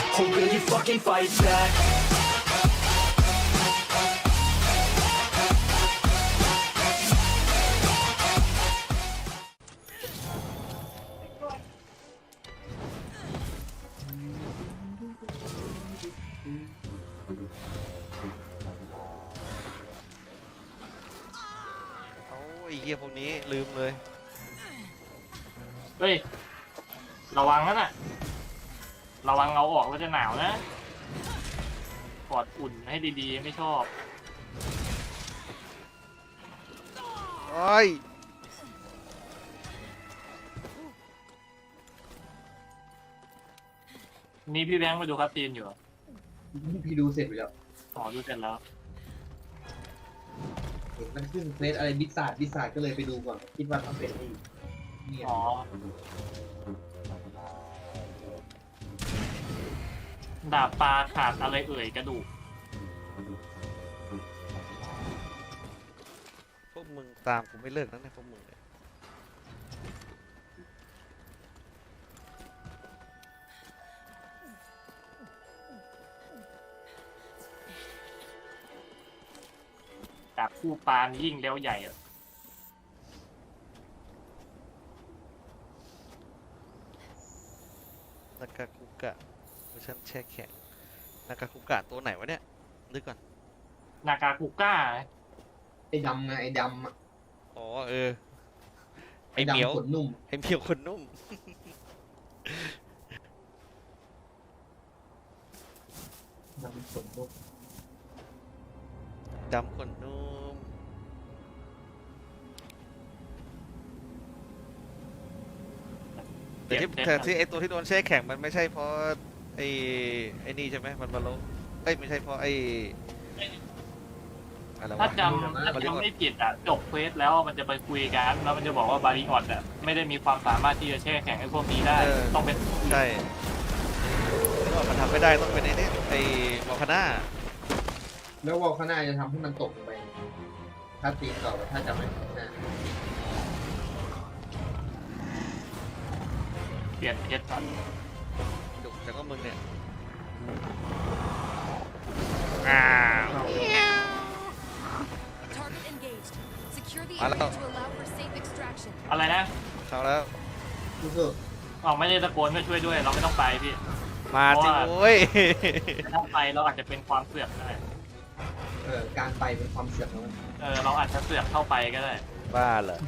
Or will you fucking fight back? โอ้ยเฮียพวกนี้ลืมเลยเฮ้ยระวังนั่นน่ะระวังเอาออกแล้วจะหนาวนะกอดอุ่นให้ดีๆไม่ชอบโอ้ยนี่พี่แบงค์ไปดูคัสซีนอยู่เหรอพี่ดูเสร็จไปแล้วอ๋อดูเสร็จแล้วเห็นมันขึ้นเฟซอะไรบิสซาร์ก็เลยไปดูก่อน คิดว่าต้องเป็นนี่เนี่ยอ๋อดาบปลาขาดอะไรเอ่ยกระดูกพวกมึงตามกูไม่เลิกนะเนี่ยพวกมึงเนี่ยดาบคู่ปลานี่ยิ่งแล้วใหญ่อะนากาคุกะเวอร์ชันแช่แข็งนากาคุกะตัวไหนวะเนี่ยนึกก่อนนากาคุก้าไอ้ดำไงไอ้ดำอะอ๋อเออไอเหมียวดำขนนุ่มไอเหมียวคนนุ่มดำขนนุ่มดำคนนุ่มแต่ที่เจ็บแต่ที่ไอตัวที่โดนแช่แข็งมันไม่ใช่เพราะไอนี่ใช่ไหมมันบาโลเอ้ยไม่ใช่เพราะไออะไรถ้าวะจำไม่ผิดอ่ะจบเควสแล้วมันจะไปคุยกันแล้วมันจะบอกว่าบาริออดอ่ะไม่ได้มีความสามารถที่จะแช่แข็งไอ้พวกนี้ได้ต้องเป็นใช่ที่ว่ามันทำไม่ได้ต้องเป็นไอ้นี่ไอวอลคาน่าแล้ววอลข้างหน้าจะทำให้มันตกลงไป ถ้าตีนต่อถ้าจะไม่นะเปลี่ยนเพชรก่อนดุแต่ก็มึงเนี่ยอ้าว Target engaged. Secure the Hello. area to allow for safe extraction. อะไรนะเข้าแล้วรู้สึกอ๋อไม่ได้ตะโกนก็ช่วยด้วย เราไม่ต้องไปพี่มาสิโว้ยถ้าไปเราอาจจะเป็นความเสือกก็ได้การไปเป็นความเสี่ยงของมันเราอาจจะเสือกเข้าไปก็ได้บ้าเหรอ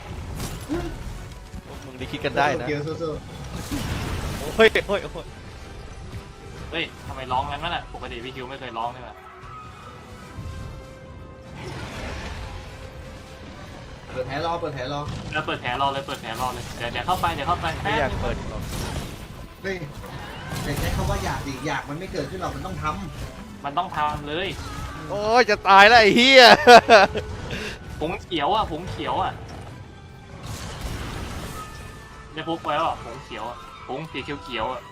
พวกมึงได้คิดกันได้นะเกียวสู้โอ้ยโอ้ยโอ้ยเฮ้ยทำไมร้องงั้นวะน่ะปกติพี่คิวไม่เคยร้องเลยว่ะๆเปิดแผลรอแล้วเปิดแผลรอเลยเปิดแผลรอเลยเดี๋ยวเข้าไปไม่อยากเปิดหรอกเฮ้ยแต่ใช้คำว่าอยากดิอยากมันไม่เกิดขึ้นหรอกมันต้องทมันต้องทำเลยโอ้ยจะตายแล้วไอ้เหี้ยผงเขียวอ่ะผงเขียวอ่ะได้พกไว้ป่ะผงเขียวอ่ะผงสีเขียวๆอ่ะ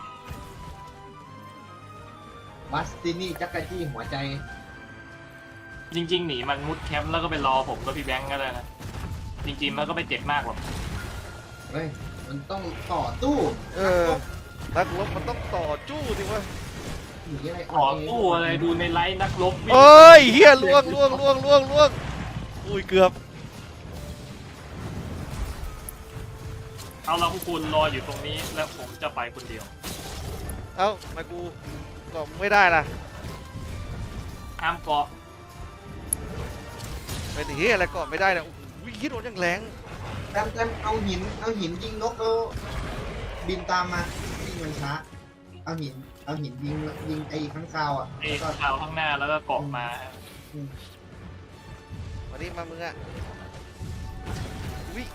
ำบัสตินี่จักรจี้หัวใจจริงๆหนีมันมุดแคมป์แล้วก็ไปรอผมกับพี่แบงค์ก็ได้นะจริงๆมันก็ไม่เจ็บมากหรอกเฮ้ย มันต้องต่อตู้นักรบมันต้องต่อจู้สิวะหนีอะไรต่อตู้อะไรดูในไลฟ์นักรบวิ่งเอ้ยเหี้ยล่วงอุ้ยเกือบเอาเราพวกคุณรออยู่ตรงนี้แล้วผมจะไปคนเดียวเอ้าทำไมากูก็ไม่ได้ล่ะห้ามเกาะเป็นเหี้ยอะไรก็ไม่ได้เนี่ยโอ้โหคิดโดนยังแรงแต้มเอาหินยิงนกแล้วบินตามมาวิ่งมันช้า เอาหินยิงไอ้ข้างคาวอ่ะไอ้แล้วก็ข่าวข้างหน้าแล้วก็เกาะมามาดิมามึงอะวิ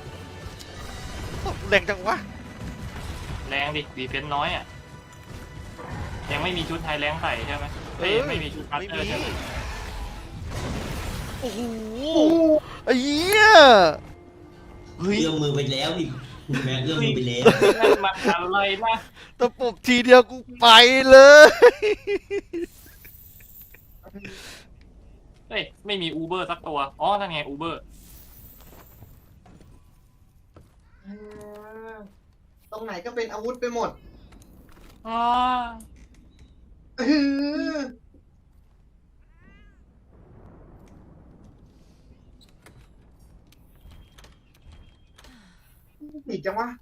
แรงจังวะแรงดิดีเฟนน้อยอ่ะยังไม่มีชุดไทยแรงใส่ใช่ไหมเฮ้ยไม่มีชุดพัตไม่เตอร์ใช่ไหมโอ้โหไอ้เหี้ยเอื้อมมือไปแล้วดิคุณแม่เอื้อมมือไปแล้วนั่นมันอะไรนะตะปบทีเดียวกูไปเลยเฮ้ยไม่มีอูเบอร์สักตัวอ๋อนั่นไงอูเบอร์ตรงไหนก็เป็นอาวุธไปหมดอ๋อเออผิดจังวะ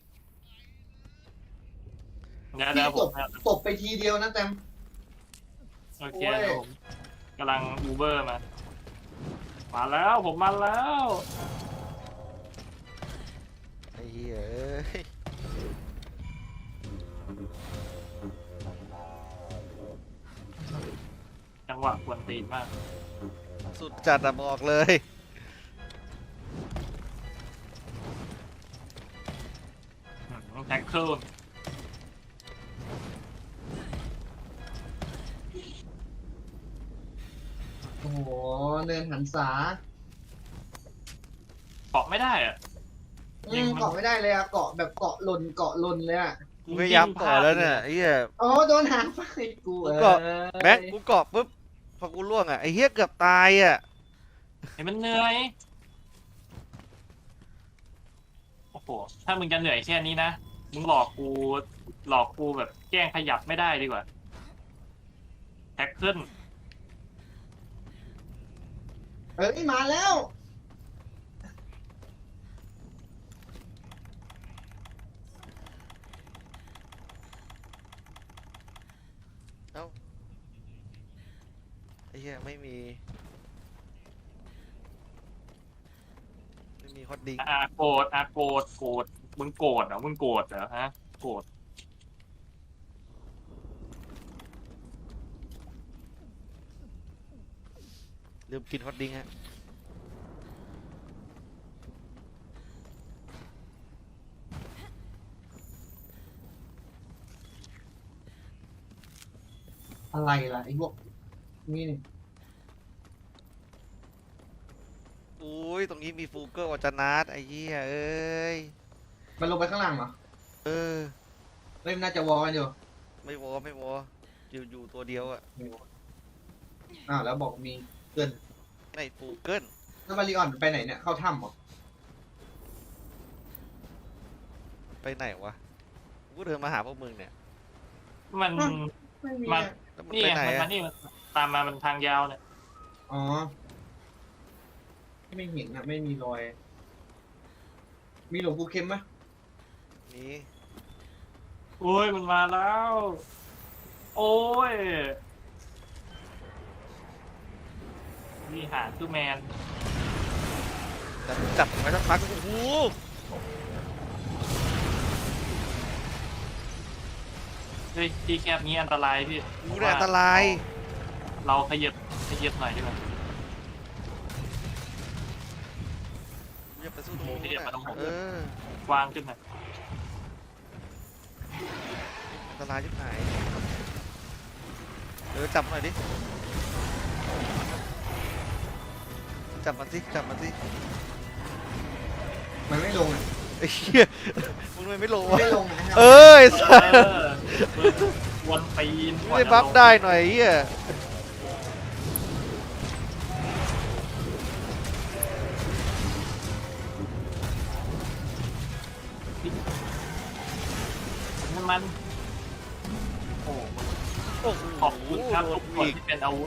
เดี๋ยวพี่ผตมบตบไปทีเดียวนะแตมโอเคโอ้ยเดี๋ยวผมกำลังอูเบอร์มาแล้วผมมาแล้วไอ้เหี้ยเอ้ยจังหวะกวนตีนมากสุดจัดอะบอกเลยแท็กเกิลโอ้โหเนินหันษาเกาะไม่ได้อะเกาะไม่ได้เลยอะเกาะแบบเกาะหล่นเลยอะกูพยายามต่อแล้วเนี่ยไอ้เหี้ยอ๋อโดนหางไฟกูกูเกาะ แม็กกูเกาะปุ๊บพอกูล่วงอะไอ้เหี้ยเกือบตายอะเห็นมันเหนื่อยโอ้โหถ้ามึงจะเหนื่อยแค่นี้นะมึงหลอกกูแบบแกล้งขยับไม่ได้ดีกว่าแท็กเกิลเอ้ยมาแล้วไอ้เหี้ยไม่มีฮอตดิ้งโกรธมึงโกรธเหรอฮะโกรธลืมกินฮอตดิ้งฮะอะไรล่ะไอ้พวกนี่นี่อุ้ยตรงนี้มีฟูเกอร์วัจนาทไอ้เหี้ยเอ้ยมันลงไปข้างล่างเหรอเออเล่มน่าจะวอลกันอยู่ไม่วออยู่ตัวเดียวอะอ้าวแล้วบอกมีเกินในฟูเกิลแล้วมาริออนไปไหนเนี่ยเข้าถ้ำเหรอไปไหนวะกูเดินมาหาพวกมึงเนี่ยมันไม่มีมันอะแล้วมันนี่ไปไงไหนมันอะมานี่ตามมามันทางยาวเนี่ยอ๋อไม่เห็นอะไม่มีรอย มีหลวงปู่เข็มไหมนี่โอ้ยมันมาแล้ว โอ้ยนี่หาซูแมนจับไว้สักพักโอ้โหเฮ้ยที่แคบนี้อันตรายพี่กูเนี่ยอันตรายเราขยับหน่อยดีกว่ากูจะไปสู้ตรงนู้นขยับมาตรงผมเออกว้างขึ้นหน่อยอันตรายชิบหายจับหน่อยดิจับมันสิมันไม่ลงอะไอ้เหี้ยมึงไม่ลงมันวะไม่ลงอะเอ้ยสัสวนปีนไม่ได้บัฟได้หน่อยไอ้เหี้ยมันโอ้โอ้โหขอบคุณครับทุกคนอีกที่เป็นอาวุธ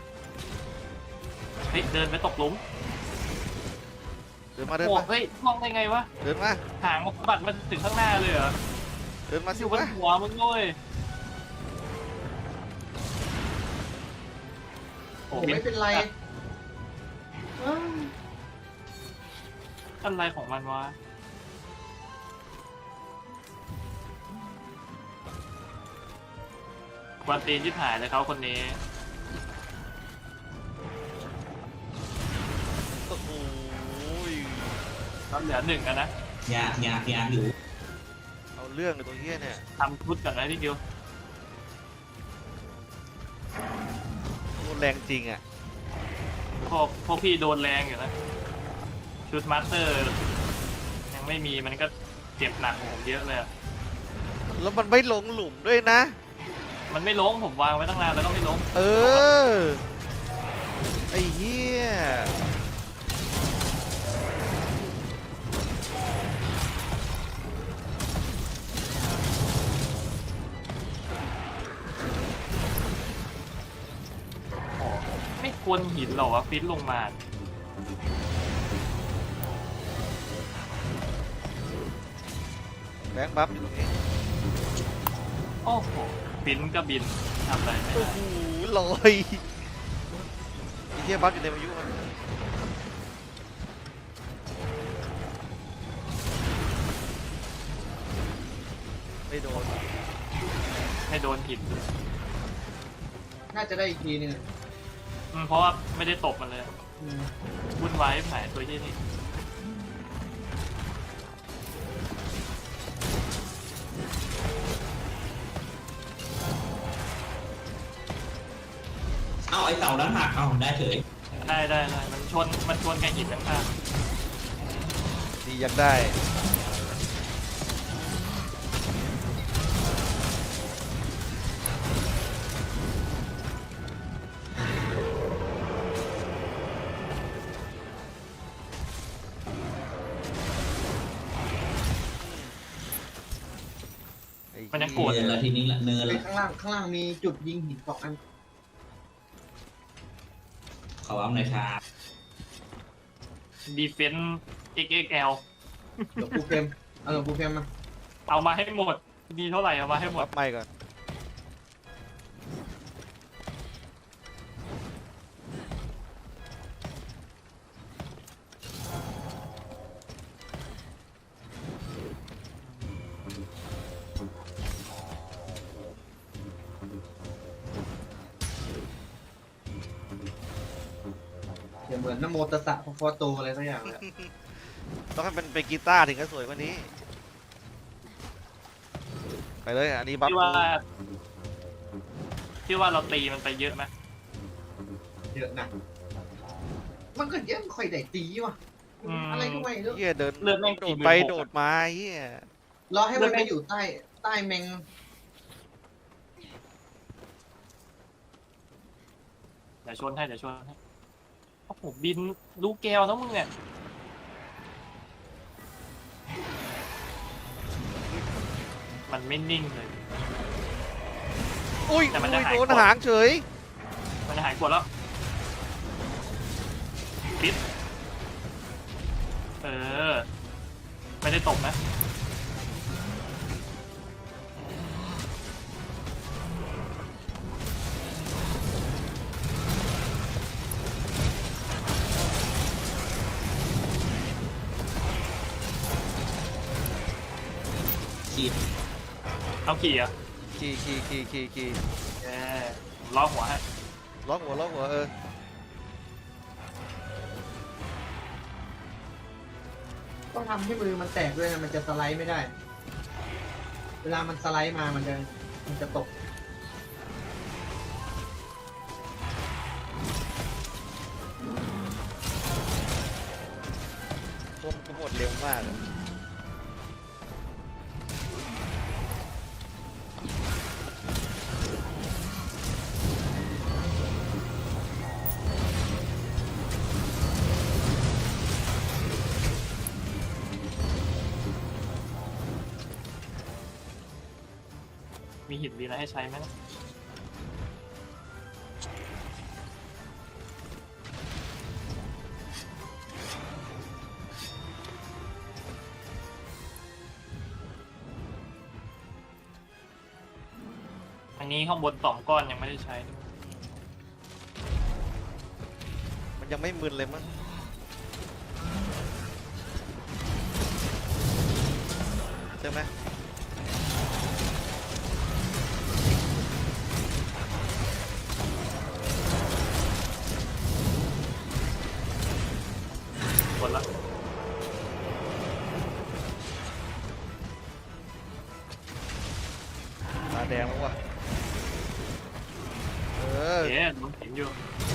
เฮ้ยเดินไปตกหลุมเดินมาโอ้เฮ้ยมองได้ไงวะเดินมาหางมันบัดมาถึงข้างหน้าเลยเหรอเดินมาอสิยู่บนวะหัวมึงด้วยโอ้ผมไม่เป็นไรอ้าวอะไรของมันวะกวนตีนที่หายเลยเขาคนนี้โอ้โหก็เหลือหนึ่งกันนะอยากอยู่เอาเรื่องเลยตัวเหี้ยเนี่ยทำชุดก่อนนะพี่กิวโคตรแรงจริงอ่ะพวกพี่โดนแรงอยู่นะ ชุดมาสเตอร์ ยังไม่มีมันก็เจ็บหนักกว่าผมเยอะเลยอะแล้วมันไม่ลงหลุมด้วยนะมันไม่ล้มผมวางไว้ตั้งนานแล้วก็ไม่ล้มเออ ไอ้เหี้ยนหินเหรอวะฟิตลงมาแบงค์บัฟอยู่ตรงนี้โอ้โหฟินก็บินทำอะไรไม่โอ้ได้โหลอยไอ้เหี้ยบัฟอยู่ในพายุมันไม่โดนให้โดนหินน่าจะได้อีกทีหนึงเพราะว่าไม่ได้ตบมันเลยอืมวุ่นวายหายตัวที่นี่เอ้าไอ้เต่านั้นหักเอ้าได้เฉยได้มันชนกับหินข้างดียังได้ไอ้ๆมันยังเหี้โกรธเนินละทีนี้ละเนินไปละข้างล่างมีจุดยิงหินสองอันเขาเอาหน่อยครับดีเฟนซ์ XXL หลวงปู่เฟรมเอาหลวงปู่เฟรมมาเอามาให้หมดดีเท่าไหร่เอามาให้หมบัดฟไม่ก่อนเดี๋ยวเหมือนนโมตัสสะพระพุทธโตอะไรสักอย่างเลยอะต้องให้มันเป็นกีตาร์ถึงจะสวยกว่านี้ ไปเลยอันนี้บัฟที่ว่าเราตีมันไปเยอะไหมเยอะนะมันก็เยอะไม่ค่อยได้ตีว่ะอะไรก็ไม่รู้เหี้ยเดินเลือดแม่งโดกี่ดหมื่นไปหกโดดมาเหี้ยรอให้มันไปอยู่ใต้แมงเดี๋ยวชนให้โอ้โหบินลูกแก้วนะมึงเนี่ยมันไม่นิ่งเลยอุ้ยแต่มันจะหายโดนก่อนหางเฉยมันจะหายกดแล้วปิดไม่ได้ตกนะขีดเอาขี่อ่ะขี่ล้อหัวให้ล็อกหัวต้องทำให้มือมันแตกด้วยนะมันจะสไลด์ไม่ได้ เวลามันสไลด์มามันจะตกพวกกูหมดเร็วมากอะมีหินดีอะไรให้ใช้ไหมนะอันนี้ข้างบน2 ก้อนยังไม่ได้ใช้ด้วยมันยังไม่มึนเลยมั้งใช่ไหมกดแล้วตาแดงแล้วว่ะเออมันเห็นอยู่